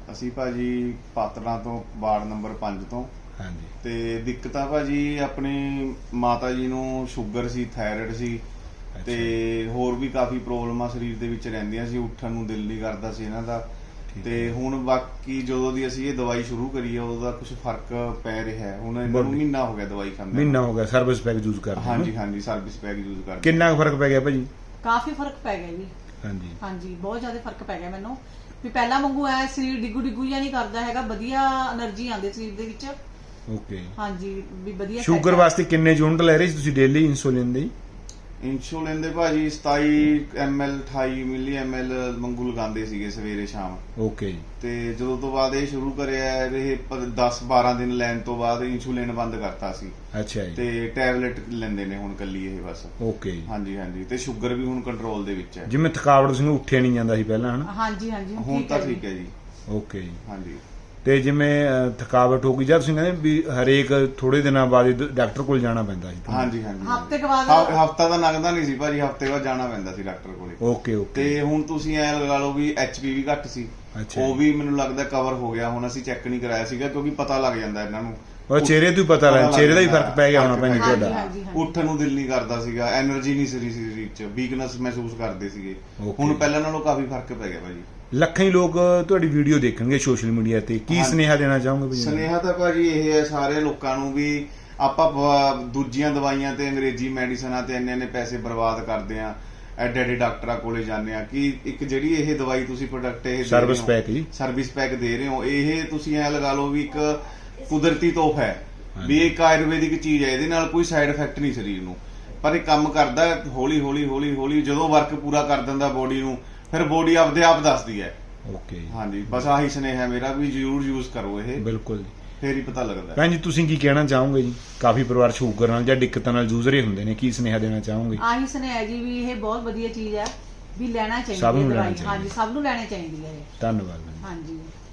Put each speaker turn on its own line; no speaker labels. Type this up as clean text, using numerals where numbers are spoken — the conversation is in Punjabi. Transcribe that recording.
ਅਸੀਂ ਭਾਜੀ ਪਾਤੜਾਂ ਤੋਂ ਵਾਰਡ ਨੰਬਰ 5 ਤੋਂ।
ਹਾਂਜੀ।
ਤੇ ਦਿੱਕਤਾਂ ਭਾਜੀ ਆਪਣੀ ਮਾਤਾ ਜੀ ਨੂੰ ਸ਼ੂਗਰ ਸੀ, ਥਾਇਰਾਇਡ ਸੀ ਤੇ ਹੋਰ ਵੀ ਕਾਫੀ ਪ੍ਰੋਬਲਮਾਂ ਸਰੀਰ ਦੇ ਵਿੱਚ ਰਹਿੰਦੀਆਂ ਸੀ। ਉੱਠਣ ਨੂੰ ਦਿਲ ਨਹੀਂ ਕਰਦਾ ਸੀ ਇਹਨਾਂ ਦਾ। ਤੇ ਹੁਣ ਬਾਕੀ ਜਦੋਂ ਦੀ ਅਸੀਂ ਇਹ ਦਵਾਈ ਸ਼ੁਰੂ ਕਰੀ ਹੈ ਉਦੋਂ ਦਾ ਕੁਝ ਫਰਕ ਪੈ ਰਿਹਾ ਹੈ। ਹੁਣ ਇਹਨਾਂ ਨੂੰ ਮਹੀਨਾ ਹੋ ਗਿਆ ਦਵਾਈ ਖਾਂਦੇ।
ਮਹੀਨਾ ਹੋ ਗਿਆ ਸਰਵਿਸ ਪੈਕ ਯੂਜ਼ ਕਰਦੇ?
ਹਾਂਜੀ ਹਾਂਜੀ, ਸਰਵਿਸ ਪੈਕ ਯੂਜ਼ ਕਰਦੇ।
ਕਿੰਨਾ ਫਰਕ ਪੈ ਗਿਆ ਭਾਜੀ?
ਕਾਫੀ ਫਰਕ ਪੈ ਗਿਆ ਜੀ।
ਹਾਂਜੀ
ਹਾਂਜੀ, ਬਹੁਤ ਜ਼ਿਆਦਾ ਫਰਕ ਪੈ ਗਿਆ ਮੈਨੂੰ। ਵੀ ਪਹਿਲਾਂ ਵਾਂਗੂ ਐ ਸਰੀਰ ਡਿੱਗੂ ਡਿੱਗੂ ਜਾਂ ਨਹੀਂ ਕਰਦਾ ਹੈਗਾ, ਵਧੀਆ એનર્ਜੀ ਆਉਂਦੀ ਸਰੀਰ ਦੇ ਵਿੱਚ।
ਓਕੇ।
ਹਾਂਜੀ, ਵੀ ਵਧੀਆ।
ਸ਼ੂਗਰ ਵਾਸਤੇ ਕਿੰਨੇ ਯੂਨਿਟ ਲੈ ਰਹੇ ਸੀ ਤੁਸੀਂ ਡੇਲੀ ਇੰਸੂਲਿਨ ਦੇ?
ਇੰਸੂਲਿਨ ਦੇ ਭਾਜੀ 27 ml 28 ਮਿਲੀ ml ਵਾਂਗੂ ਲਗਾਉਂਦੇ ਸੀਗੇ ਸਵੇਰੇ ਸ਼ਾਮ।
ਓਕੇ।
ਤੇ ਜਦੋਂ ਤੋਂ ਬਾਅਦ ਇਹ ਸ਼ੁਰੂ ਕਰਿਆ ਇਹ 10-12 ਦਿਨ ਲੈਣ ਤੋਂ ਬਾਅਦ ਇੰਸੂਲਿਨ ਬੰਦ ਕਰਤਾ ਸੀ।
ਅੱਛਾ ਜੀ।
ਤੇ ਟੈਬਲੇਟ ਲੈਂਦੇ ਨੇ ਹੁਣ ਕੱਲੀ ਇਹ ਬਸ।
ਓਕੇ।
ਹਾਂਜੀ ਹਾਂਜੀ, ਤੇ ਸ਼ੂਗਰ ਵੀ ਹੁਣ ਕੰਟਰੋਲ ਦੇ ਵਿੱਚ ਹੈ।
ਜਿਵੇਂ ਥਕਾਵਟ ਸੀ ਉੱਠਿਆ ਨਹੀਂ ਜਾਂਦਾ ਸੀ ਪਹਿਲਾਂ, ਹਨਾ?
ਹਾਂਜੀ ਹਾਂਜੀ,
ਹੁਣ ਤਾਂ ਠੀਕ ਹੈ ਜੀ।
ਓਕੇ ਜੀ।
ਹਾਂਜੀ।
ਤੇ ਜਿਵੇਂ ਥਕਾਵਟ ਹੋ ਗਈ ਜਦ ਤੁਸੀਂ ਕਹਿੰਦੇ ਵੀ ਹਰੇਕ ਥੋੜੇ ਦਿਨਾਂ ਬਾਅਦ ਡਾਕਟਰ ਕੋਲ ਜਾਣਾ ਪੈਂਦਾ ਸੀ?
ਹਾਂਜੀ ਹਾਂਜੀ,
ਹਫ਼ਤੇ ਕੇ ਬਾਅਦ।
ਹਫ਼ਤਾ ਤਾਂ ਲੰਘਦਾ ਨਹੀਂ ਸੀ ਭਾਜੀ, ਹਫ਼ਤੇ ਬਾਅਦ ਜਾਣਾ ਪੈਂਦਾ ਸੀ ਡਾਕਟਰ ਕੋਲੇ।
Okay okay.
ਤੇ ਹੁਣ ਤੁਸੀਂ ਐ ਲਗਾ ਲਓ ਵੀ HP ਵੀ ਘੱਟ ਸੀ, ਉਹ ਵੀ ਮੈਨੂੰ ਲੱਗਦਾ ਕਵਰ ਹੋ ਗਿਆ। ਹੁਣ ਅਸੀਂ ਚੈੱਕ ਨਹੀਂ ਕਰਾਇਆ ਸੀਗਾ ਕਿਉਂਕਿ ਪਤਾ ਲੱਗ ਜਾਂਦਾ ਇਹਨਾਂ ਨੂੰ।
ਉਹ ਚਿਹਰੇ ਤੋਂ ਹੀ ਪਤਾ ਲੱਗ, ਚਿਹਰੇ ਦਾ ਹੀ ਫਰਕ ਪੈ ਗਿਆ ਹੋਣਾ ਭੈਣ ਤੁਹਾਡਾ।
ਉੱਠਣ ਨੂੰ ਦਿਲ ਨਹੀਂ ਕਰਦਾ ਸੀਗਾ, એનર્ਜੀ ਨਹੀਂ ਸੀ ਸਰੀਰ 'ਚ, ਵੀਕਨੈਸ ਮਹਿਸੂਸ ਕਰਦੇ ਸੀਗੇ।
Okay।
ਹੁਣ ਪਹਿਲਾਂ ਨਾਲੋਂ ਕਾਫੀ ਫਰਕ ਪੈ ਗਿਆ ਭਾਜੀ।
ਲੱਖਾਂ ਹੀ ਲੋਕ ਤੁਹਾਡੀ ਵੀਡੀਓ ਦੇਖਣਗੇ ਸੋਸ਼ਲ ਮੀਡੀਆ ਤੇ, ਕੀ ਸੁਨੇਹਾ ਦੇਣਾ ਚਾਹੋਗੇ ਭਾਜੀ?
ਸੁਨੇਹਾ ਤਾਂ ਭਾਜੀ ਇਹ ਹੈ ਸਾਰੇ ਲੋਕਾਂ ਨੂੰ ਵੀ ਆਪਾਂ ਦੂਜੀਆਂ ਦਵਾਈਆਂ ਤੇ ਅੰਗਰੇਜ਼ੀ ਮੈਡੀਸਨਾਂ ਤੇ ਇੰਨੇ ਪੈਸੇ ਬਰਬਾਦ ਕਰਦੇ ਆ, ਐਡੇ ਐਡੇ ਡਾਕਟਰਾਂ ਕੋਲੇ ਜਾਂਦੇ ਆ ਕਿ ਇੱਕ ਜਿਹੜੀ ਇਹ ਦਵਾਈ ਤੁਸੀਂ ਪ੍ਰੋਡਕਟ ਇਹ
ਸਰਵਿਸ ਪੈਕ ਜੀ,
ਸਰਵਿਸ ਪੈਕ ਦੇ ਰਹੇ ਹੋ, ਇਹ ਤੁਸੀਂ ਐ ਲਗਾ ਲਓ ਵੀ ਇੱਕ ਕੁਦਰਤੀ ਤੋਹਫਾ ਹੈ, ਵੀ ਇਹ ਇੱਕ ਆਯੁਰਵੈਦਿਕ ਚੀਜ਼ ਹੈ। ਇਹਦੇ ਨਾਲ ਕੋਈ ਸਾਈਡ ਇਫੈਕਟ ਨਹੀਂ ਸਰੀਰ ਨੂੰ, ਪਰ ਇਹ ਕੰਮ ਕਰਦਾ ਹੌਲੀ ਹੌਲੀ ਹੌਲੀ ਹੌਲੀ। ਜਦੋਂ ਵਰਕ ਪੂਰਾ ਕਰ ਦਿੰਦਾ ਬੋਡੀ ਨੂੰ, ਫਿਰ ਬੋਡੀ ਆਪਦੇ ਆਪ ਦੱਸਦੀ ਹੈ।
ਓਕੇ।
ਹਾਂਜੀ, ਬਸ ਆਹੀ ਸੁਨੇਹਾ ਮੇਰਾ ਵੀ ਜ਼ਰੂਰ ਯੂਜ਼ ਕਰੋ ਇਹ।
ਬਿਲਕੁਲ,
ਫੇਰ ਹੀ ਪਤਾ ਲੱਗਦਾ।
ਭੈਣ ਜੀ ਤੁਸੀਂ ਕੀ ਕਹਿਣਾ ਚਾਹੋਗੇ ਜੀ? ਕਾਫੀ ਪਰਿਵਾਰ ਸ਼ੂਗਰ ਨਾਲ ਜਾਂ ਦਿੱਕਤਾਂ ਨਾਲ ਜੂਝ ਰਹੇ ਹੁੰਦੇ ਨੇ, ਕੀ ਸੁਨੇਹਾ ਦੇਣਾ ਚਾਹੋਗੇ?
ਆਹੀ ਸੁਨੇਹਾ ਜੀ ਵੀ ਇਹ ਬਹੁਤ ਵਧੀਆ ਚੀਜ਼ ਹੈ, ਵੀ ਲੈਣਾ ਚਾਹੀਦਾ
ਸਭ ਨੂੰ
ਦਵਾਈ।
ਲੈਣੀ ਚਾਹੀਦੀ।
ਹਾਂਜੀ, ਸਭ ਨੂੰ ਲੈਣੀ ਚਾਹੀਦੀ ਹੈ ਇਹ।
ਧੰਨਵਾਦ।
ਹਾਂਜੀ।